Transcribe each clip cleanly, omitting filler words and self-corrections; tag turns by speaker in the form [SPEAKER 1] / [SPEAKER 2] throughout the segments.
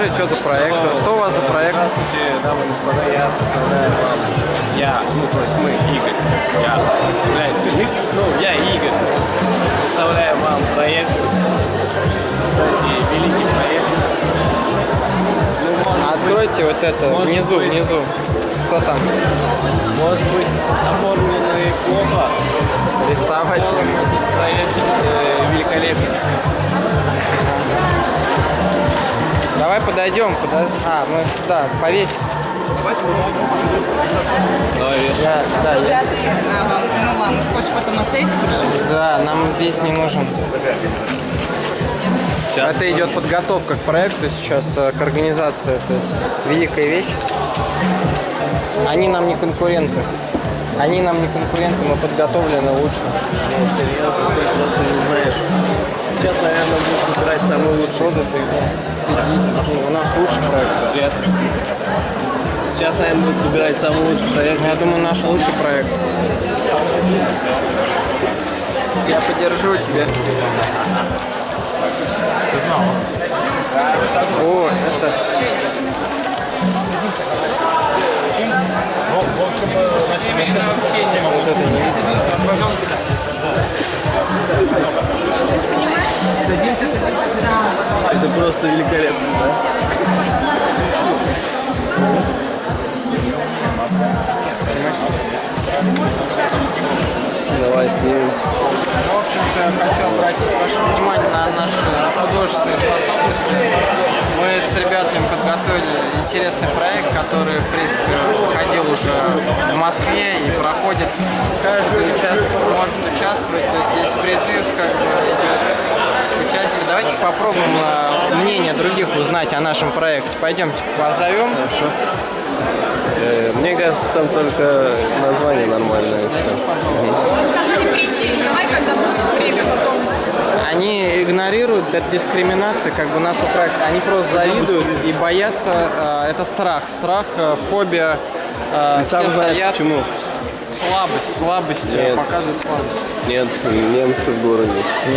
[SPEAKER 1] расскажи, что за проект, что у вас за проект?
[SPEAKER 2] Здравствуйте, дамы и господа, я представляю вам, то есть мы, Игорь, я Игорь, представляю вам проект, кстати, великий проект.
[SPEAKER 1] Откройте вот это, внизу, что там?
[SPEAKER 2] Может быть, оформленный плохо,
[SPEAKER 1] Рисовать.
[SPEAKER 2] проект великолепный.
[SPEAKER 1] Давай подойдем, мы, да, повесить.
[SPEAKER 2] Давай,
[SPEAKER 3] Вам скотч потом оставите, прошу.
[SPEAKER 1] Да, нам весь не нужен. Это идет подготовка к проекту сейчас, к организации. То есть великая вещь. Они нам не конкуренты. Мы подготовлены лучше.
[SPEAKER 2] Серьезно, ты просто не знаешь. Сейчас, наверное, будешь выбирать самый лучший отзыв.
[SPEAKER 1] У нас лучший проект.
[SPEAKER 2] Свет. Сейчас, наверное, будут выбирать самый лучший проект.
[SPEAKER 1] Я думаю, наш лучший проект. Я поддержу тебя. О, это... Вот это не...
[SPEAKER 3] Пожалуйста.
[SPEAKER 2] Это просто великолепно, да? Давай снимем.
[SPEAKER 1] В общем-то, хочу обратить ваше внимание на наши художественные способности. Мы с ребятами подготовили интересный проект, который, в принципе, выходил уже в Москве и проходит. Каждый может участвовать, то есть есть призыв к участию. Давайте попробуем мнение других узнать о нашем проекте. Пойдемте, позовем.
[SPEAKER 2] Хорошо. Мне кажется, там только название нормальное.
[SPEAKER 3] Сказали присесть. Давай, когда будет время потом.
[SPEAKER 1] Они игнорируют, это дискриминация, нашу проект. Они просто завидуют и боятся. Это страх, фобия.
[SPEAKER 2] Ты сам знаешь, почему?
[SPEAKER 1] Слабость, показывает слабость.
[SPEAKER 2] Нет, немцы в городе.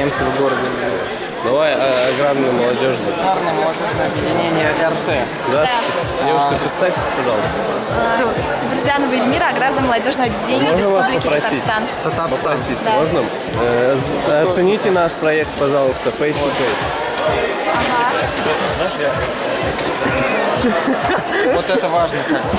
[SPEAKER 2] Давай аграрный молодежный.
[SPEAKER 1] Аграрное молодежное объединение РТ.
[SPEAKER 2] Здравствуйте. Девушка, представьтесь, пожалуйста.
[SPEAKER 4] Сабурзянова Эльмира, аграрное молодежное объединение
[SPEAKER 2] Можно вас
[SPEAKER 4] Республики
[SPEAKER 2] попросить?
[SPEAKER 4] Татарстан.
[SPEAKER 2] Попросить
[SPEAKER 4] Да.
[SPEAKER 2] можно? Оцените наш проект, пожалуйста, face to face.
[SPEAKER 1] Вот это важно.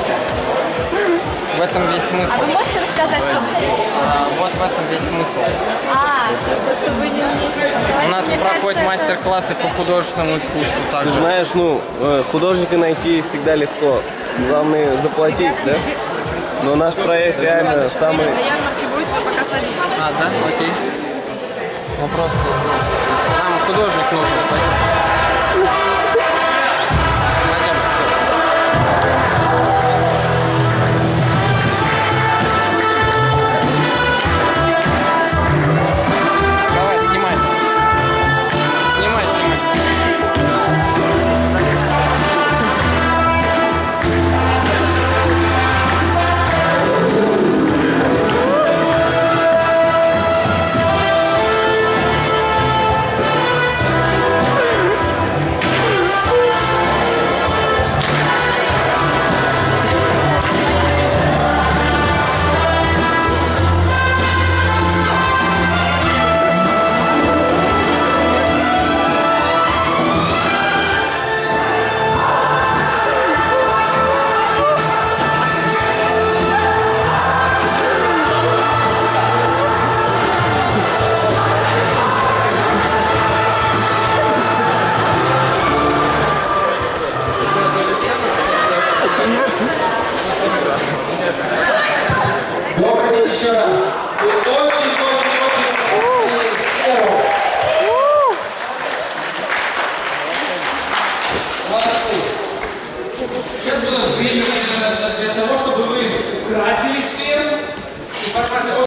[SPEAKER 1] В этом весь смысл.
[SPEAKER 4] А вы можете рассказать, что...
[SPEAKER 1] Вот в этом весь смысл.
[SPEAKER 4] Просто вы не умеете.
[SPEAKER 1] У нас проходят мастер-классы по художественному искусству
[SPEAKER 2] Ты
[SPEAKER 1] также.
[SPEAKER 2] знаешь, художника найти всегда легко. Главное заплатить, да? Но наш проект реально самый...
[SPEAKER 3] На ярмарке будет, вы пока садитесь.
[SPEAKER 1] Да? Окей. Ну просто... Нам художник нужен. Пойдем. Давай, снимай. Снимай.
[SPEAKER 5] Еще раз. Вы очень молодцы. Сейчас будет время для того, чтобы вы украсили сферу. Информация